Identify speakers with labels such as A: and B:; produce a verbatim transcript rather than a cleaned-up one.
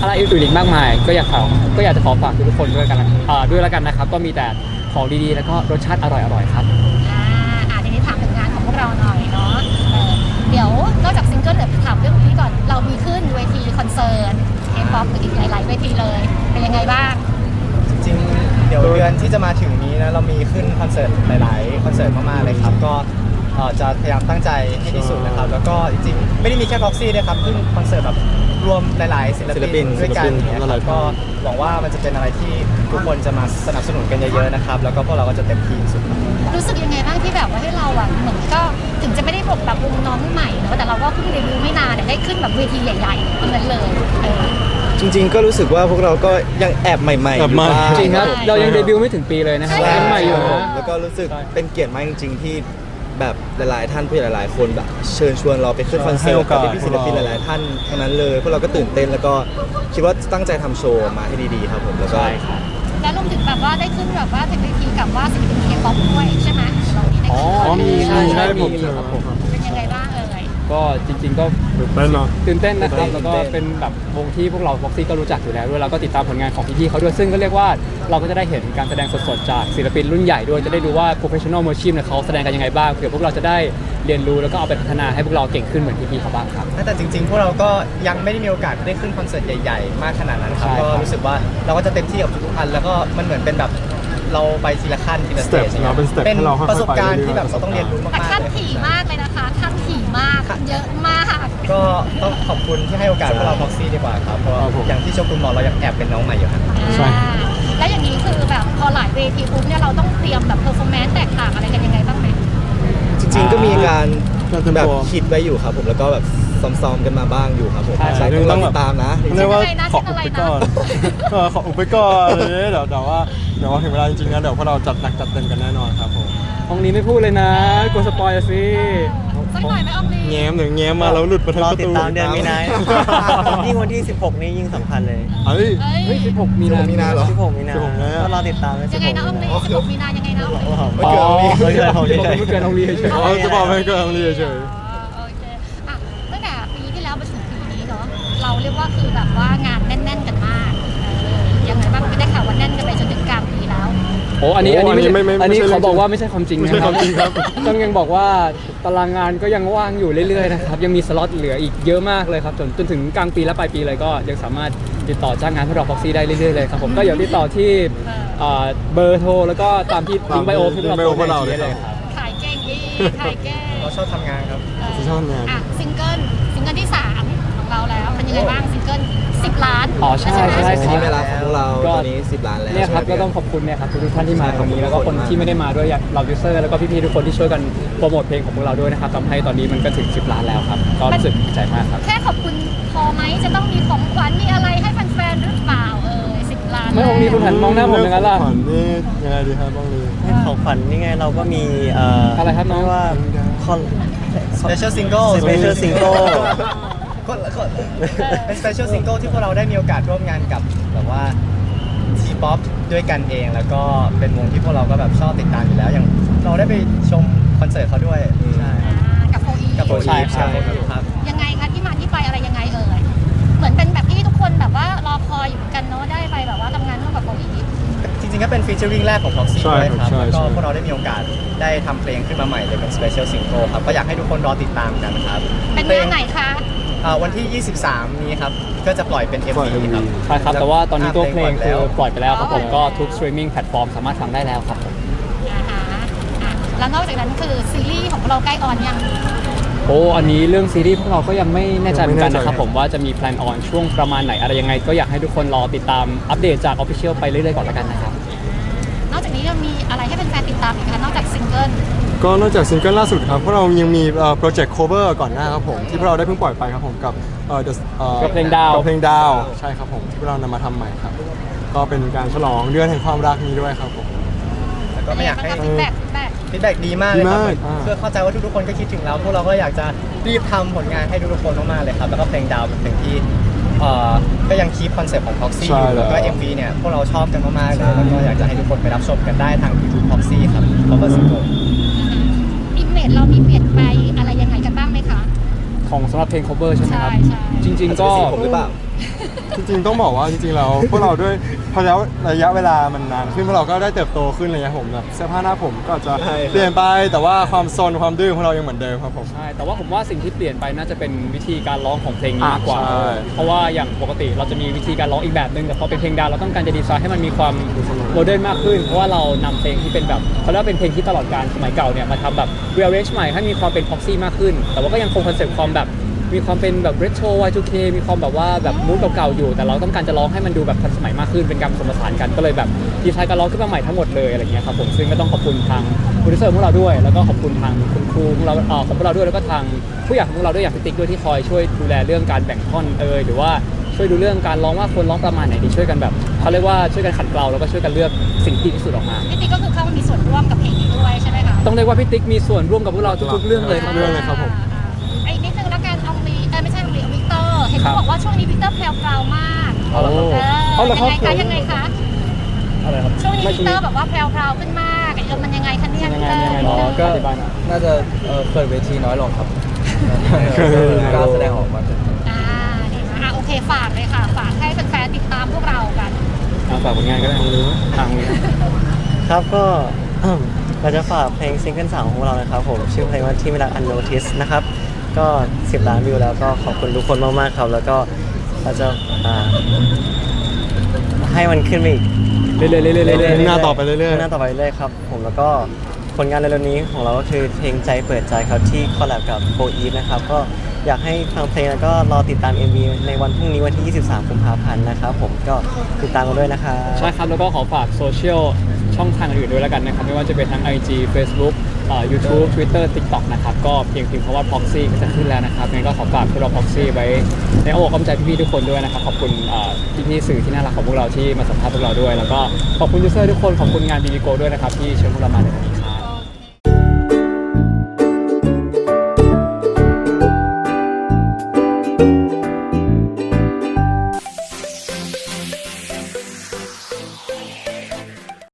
A: อะไรอื่นๆอีกมากมายก็อยากขอก็อยากจะขอฝากทุกคนด้วยกันอ่าด้วยแล้วกันนะครับก็มีแต่ของดีๆแล้วก็รสชาติอร่อยๆครับ
B: อ่าอ่าทีนี้ถามถึงงานของพวกเราหน่อยเนาะเออเดี๋ยวนอกจากซิงเกิลเดี๋ยวถามเรื่องนี้ก่อนเรามีขึ้นเวทีคอนเสิร์ตเคป๊อปอีกหลายๆเวทีเลยเป็นยังไงบ้าง
C: จริงเดี๋ยวเดือนที่จะมาถึงนี้นะเรามีขึ้นคอนเสิร์ตหลายๆคอนเสิร์ตมากๆเลยครับก็จะพยายามตั้งใจให้ที่สุดนะครับแล้วก็จริงๆไม่ได้มีแค่พ็อกซี่ด้วยครับขึ้นคอนเสิร์ตแบบรวมหลายๆศิลปินด้วยกันเนี่ยครับก็หวังว่ามันจะเป็นอะไรที่ทุกคนจะมาสนับสนุนกันเยอะๆนะครับแล้วก็พวกเราก็จะเต็มที่สุด
B: รู้สึกยังไงบ้างที่แบบว่าให้เราอ่ะเหมือนก็ถึงจะไม่ได้บอกแบบวงน้องใหม่แต่เราก็เพิ่งเดบิวต์ไม่นานแต่ได้ขึ้นแบบเวทีใหญ่ๆทั้งนั้นเลย
D: จริงๆก็รู้สึกว่าพวกเราก็ยังแอบใหม่ๆอยู่บ้าง
A: จริงครับเรายังเดบิวต์ไม่ถึงปีเลยนะครับยังใหม่อยู่นะ
D: แล้วก็รู้สึกเป็นเกียรติมากจริงๆที่แบบหลายๆท่านผู้ใหญ่หลายๆคนแบบเชิญชวนเราไปขึ้นคอนเสิร์ตกับพี่ศิลปินหลายๆท่านทั้งนั้นเลยพวกเราก็ตื่นเต้นแล้วก็คิดว่าตั้งใจทำโชว์มาให้ดีๆครับผมแล้วก็
B: แล้วรวมถึงแบบว่าได้ขึ้นแบบว่าถึงเวทีกับว่าศิลปินเคป๊อปด้วยใช่ไหมเรานี่ได้ขึ้น
A: มีใช่ใช่ผม
B: ครับผมเป็นยังไงบ้างเอ่ย
A: ก็จริงๆก็ตื่นเต้นเนาะตื่นเต้นนะครับแล้วก็เป็นแบบวงที่พวกเราพ็อกซี่ก็รู้จักอยู่แล้วด้วยเราก็ติดตามผลงานของพี่ๆเขาด้วยซึ่งก็เรียกว่าเราก็จะได้เห็นการแสดงสดๆจากศิลปินรุ่นใหญ่ด้วยจะได้ดูว่า professional musician เนี่ยเขาแสดงกันยังไงบ้างเผื่อพวกเราจะได้เรียนรู้แล้วก็เอาไปพัฒนาให้พวกเราเก่งขึ้นเหมือนพี่ๆเขาบ้างครับ
C: แต่จริงๆพวกเราก็ยังไม่ได้มีโอกาสได้ขึ้นคอนเสิร์ตใหญ่ๆมากขนาดนั้นครับก็รู้สึกว่าเราก็จะเต็มที่กับทุกๆอันแล้วก็มันเหมือนเป็นแบบเราไปทีละขั้นทีละสเตจเป็นประสบการณ์ที่แบบเราต้องเรียนรู้มากๆ
B: แต่ขั้นถี่มากเลยนะคะขั้นถี่มากเยอะมาก
C: ก็ต้องขอบคุณที่ให้โอกาสพวกเราพ็อกซี่ดีกว่าครับเพราะอย่างที่โชกุนบอกเรายังแอบเป็นน้องใหม่อยู่ครับ
B: ใช่แล้วอย่างนี้คือแบบพอหลายเวทีปุ๊บเนี่ยเราต้องเตรียมแบบเพอร์ฟอร์แมนซ์แตกต่างอะไรกันยังไงบ้างไหม
D: จริงๆก็มีการแบบคิดไว้อยู่ครับผมแล้วก็แบบซ้อมๆกันมาบ้างอยู่ครับผมใช่ต้องติดตามนะ
E: เรียกว่าขออุบไปก่อนขออุบไปก่อนเลยเดี๋ยวแต่ว่าเดี๋ยวถึงเวลาจริงๆนะเดี๋ยวพวกเราจัดหนักจัดเต็มกันแน่นอนครับผม
A: ห้องนี้ไม่พูดเลยนะกลัวสปอยล์สิ
B: สักหน่อยไหมอองลี
E: แง้มหรือแง้มมาแล้วหลุดมาทั้งประตู
F: รอติดตามเดือนมีนายิ่งวันที่สิบหกนี้ยิ่งสำคัญเลย
E: เฮ้ย
A: เฮ้ยสิบหกมีนา
D: มีนาเหรอ
F: สิบหกมีนาก็รอติดตาม
B: ยังไงนะอองลีสิบหกมีนายังไงนะอองลี
A: ไม่เกินอองลีไม่เกินอองลีเฉย
E: ๆจะบอกไม่เกินอองลีเฉย
B: โอเคอ่ะตั้งแต่ปีที่แล้วมาถึงปีนี้เนาะเราเรียกว่าคือแบบว่างานแน่นๆกันมากยังไงบ้างไม่ได้ข่าวว่าแน่นกันไปจนถึงกลางปีแล้ว
A: โอ้อันนี้อันนี้ไม่อันนี้เขาบอกว่าไม่ใช่ความจริงนะครับต้องยังบอกว่าตารางงานก็ยังว่างอยู่เรื่อยๆนะครับยังมีสล็อตเหลืออีกเยอะมากเลยครับจนจนถึงกลางปีและปลายปีเลยก็ยังสามารถติดต่อจ้างงานพวกเราพ็อกซี่ได้เรื่อยๆเลยครับผมก็อย่าติดต่อที่เบอร์โทรแล้วก็ตามที่ลิงก์ไบโอที่เราโพสต์เลยครับ
B: ขายเก่งดีขายเก่ง
C: เราชอบทำงานครับ
E: ชอบงาน
B: อ่ะซิงเกิลซิงเกิลที่สามของเราแล้วเป็นยังไงบ้างซิงเกิลสิบล้าน
A: อ๋อใช่ใช่ใช่
D: ที่เวลาของพวกเราตอนนี้สิบล้านแล้ว
A: เนี่ยครับก็ต้องขอบคุณเนี่ยครับทุกท่านที่มาตรงนี้แล้วก็คนที่ไม่ได้มาด้วยเรายูเซอร์แล้วก็พี่ๆทุกคนที่ช่วยกันโปรโมทเพลงของพวกเราด้วยนะครับทำให้ตอนนี้มันก็ถึงสิบล้านแล้วครับก็รู้สึกดีใจมากครับ
B: แค่ขอบคุณพอไหมจะต้องมีของขวัญมีอะไรให้แฟนๆหรือเปล่าเออสิบล้าน
A: ไม่องนี้คุณหันมองหน้าผมอย่างนั้นล่ะ
E: ของขวัญนี่ยังไงดีครับบ้างเลย
F: ของขวัญนี่ไงเราก็มี
A: อะไรครับน้อง
F: ว่า
C: special single
F: special single
C: เป็น special single ที่พวกเราได้มีโอกาสร่วมงานกับแบบว่าทีป๊อปด้วยกันเองแล้วก็เป็นวงที่พวกเราก็แบบชอบติดตามอยู่แล้วอย่างเราได้ไปชมคอนเสิร์ตเขาด้วยใช่
B: กับโฟอี
C: กับโฟอีใช่
B: ครับยังไงคะที่มาที่ไปอะไรยังไงเอ่ยเหมือนเป็นแบบที่ทุกคนแบบว่ารอคอยอยู่กันเนาะได้ไปแบบว่าทำงานร่วมกับโฟอี
C: จริงๆก็เป็นฟีเจอริ่งแรกของ Proxy ด้วยครับแล้วก็พวกเราได้มีโอกาสได้ทำเพลงขึ้นมาใหม่เลยเป็น special single ครับก็อยากให้ทุกคนรอติดตามกันครับ
B: เป็นงานไหนคะ
C: วันที่ยี่สิบสามนี้ครับก็จะปล่อยเป็น เอ็ม วี ครับ
A: ใช่ครับแต่ว่าตอนนี้ตัวเพลงคือปล่อยไปแล้วครับผมก็ทุก streaming platform สามารถฟังได้แล้วครับผม
B: แล้วนอกจากนั้นคือซีรีส์ของเราใกล้ออนยัง
A: โอ้อันนี้เรื่องซีรีส์พวกเราก็ยังไม่แน่ใจเหมือนกันนะครับผมว่าจะมีแพลนออนช่วงประมาณไหนอะไรยังไงก็อยากให้ทุกคนรอติดตามอัปเดตจาก Official ไปเรื่อยๆก่อนละกันนะครับ
B: นอกจากนี้ยังมีอะไรให้เป็นแฟนติดตามอีกคะนอกจากซิงเกิล
E: ก็นอกจากซิงเกิลล่าสุดครับพวกเรายังมีโปรเจกต์ cover ก่อนหน้าครับผมที่พวกเราได้เพิ่งปล่อยไปครับผมกับเอ่อ
A: กับเพลงดาว
E: กับเพลงดาวใช่ครับผมที่พวกเรานำมาทำใหม่ครับก็เป็นการฉลองเดือนแห่งความรักนี้ด้วยครับผม
C: แล้วก็ไม่อยากให้
B: ฟีดแบ็ก
C: ฟีดแบ็กดีมากเลยครับเพื่อเข้าใจว่าทุกๆคนก็คิดถึงเราพวกเราก็อยากจะรีบทำผลงานให้ทุกๆคนมากๆเลยครับแล้วก็เพลงดาวเป็นเพลงที่ก็ยังคีปคอนเซ็ปต์ของ Proxy อยู่แล้วก็ เอ็ม วี เนี่ยพวกเราชอบกันมากๆเลยแล้วก็อยากจะให้ทุกคนไปรับชมกันได้ทาง YouTube Proxy ครับ Cover Single
B: อิมเมจเรามีเปลี่ยนไปอะไรยังไงกันบ้างไหมคะ
A: ของสำหรับเพลง cover ใช่ไหมครับจริงๆก็
D: ผมหรือเปล่า
E: จริงๆต้องบอกว่าจริงๆเราพวกเราด้วยพอแล้วระยะเวลามันนานขึ้นพวกเราก็ได้เติบโตขึ้นอะไรเงี้ยผมแบบเสื้อผ้าหน้าผมก็อาจจะ
D: ใช่ครับ
E: เปลี่ยนไปแต่ว่าความซนความดื้อของเรายังเหมือนเดิมครับผม
A: ใช่แต่ว่าผมว่าสิ่งที่เปลี่ยนไปน่าจะเป็นวิธีการร้องของเพลงนี้มากกว่า
E: อ่าใช่
A: เพราะว่าอย่างปกติเราจะมีวิธีการร้องอีกแบบนึงแต่พอเป็นเพลงดาวเราต้องการจะดีไซน์ให้มันมีความโมเดิร์นมากขึ้นเพราะว่าเรานำเพลงที่เป็นแบบเขาเรียกว่าเป็นเพลงที่ตลอดการสมัยเก่าเนี่ยมาทำแบบ rearrange ใหม่ให้มีความเป็น พ็อกซี่ มากขึ้น แต่ว่าก็ยังคงคอนเซ็ปต์ความแบบมีความเป็นแบบ retro วาย ทู เค มีความแบบว่าแบบมูดเก่าๆอยู่แต่เราต้องการจะร้องให้มันดูแบบทันสมัยมากขึ้นเป็นการผสมผสานกันก็เลยแบบดีไซน์การร้องขึ้นมาใหม่ทั้งหมดเลยอะไรเงี้ยครับผมซึ่งก็ต้องขอบคุณทางโปรดิวเซอร์ของเราด้วยแล้วก็ขอบคุณทางคุณครูของเราเอ่อของพวกเราด้วยแล้วก็ทางผู้ใหญ่ของพวกเราด้วยอย่างพี่ติ๊กด้วยที่คอยช่วยดูแลเรื่องการแบ่งท่อนเอยหรือว่าช่วยดูเรื่องการร้องว่าควรร้องประมาณไหนดีช่วยกันแบบเขาเรียกว่าช่วยกันขัดเกลาแล้วก็ช่วยกันเลือกสิ่งที่ดีที่สุดออกมา
B: พี่ติ๊กก็คือเข้ามามีส่วนร่วมกับเพลงนี้ด้วยใช่ไหมคะ
A: ต้องเรียกว่าพี่ติ๊กมีส่วนร่วมกับพวกเราทุกๆเรื่องเลยครับ
E: เรื่องเลยครับผม
B: ไอ้นิดนึงแล้วกันเอาลีเออไม่ใช่เอาลีเอาวิกเตอร์เห็น
A: ครั
B: เขา
A: บ
B: บอกว่าช่วงนี้วิกเตอร์แพรวๆมาก
A: เอาละครับ
B: เออ
A: เอาละครับ
B: ยังไงคะยังไงคะ
A: อะไรครับ
B: ช่วงนี้
A: ไม่
B: วิกเตอร์แบบว่าแพรวๆขึ้นมากเออมันยังไงคะเนี่ย
A: ยัง
B: วิ
A: ไง
B: กเตอร์
A: ยังไง
B: วิก
A: อ๋อ
B: เตอร์
A: ก็อธิบายหน่อย
G: น่าจะเอ่อเปิดเวทีน้อยลงครับ
E: เปิดเวทีน้อยลง
G: กล้าแสดงออกมา
B: อ่าดีนะอ่ะโอเคฝากเลยค่ะ ฝากให้แฟนๆติดตามพวกเรากัน
A: เอาฝากผลงานก็ได้ทางนี้
F: ครับก็ เราจะฝากเพลงซิงเกิลสามของเรานะครับผมชื่อเพลงว่าที่ไม่รัก Unnoticed นะครับก็สิบล้านวิวแล้วก็ขอบคุณทุกคนมากๆครับ แล้วก็เราจะอ่าให้มันขึ้นไปอีก
A: เรื่อยๆเรื่อยๆเรื่อยๆ
E: หน้าต่อไปเรื่อยๆ
F: หน้าต่อไปเรื่อยๆครับผมแล้วก็ผลงานเร็วๆนี้ของเราก็คือเพลงใจเปิดใจครับที่คอลแลบกับโฟอีฟนะครับก็อยากให้ฟังเพลงแล้วก็รอติดตาม เอ็ม วี ในวันพรุ่งนี้วันที่ ยี่สิบสาม กุมภาพันธ์นะครับผมก็ติดตามกันด้วยนะครับ
A: ใช่ครับแล้วก็ขอฝากโซเชียลช่องทางอื่นด้วยแล้วกันนะครับไม่ว่าจะเป็นทั้ง ไอ จี Facebook เอ่อ YouTube Twitter TikTok นะครับก็เพียงพิมพ์คำว่า Proxy ก็จะขึ้นแล้วนะครับงั้นก็ขอฝากพวกเรา Proxy ไว้ในอ้อมอกอ้อมใจพี่ๆทุกคนด้วยนะครับขอบคุณเอ่อพี่ๆสื่อที่น่ารักของพวกเราที่มาสัมภาษณ์พวกเราด้วย แล้วก็ขอบคุณยูเซอร์ทุกคนขอบคุณงาน บี บี โก ด้วยนะครับที่เชิญพวกเรามาในวันนี้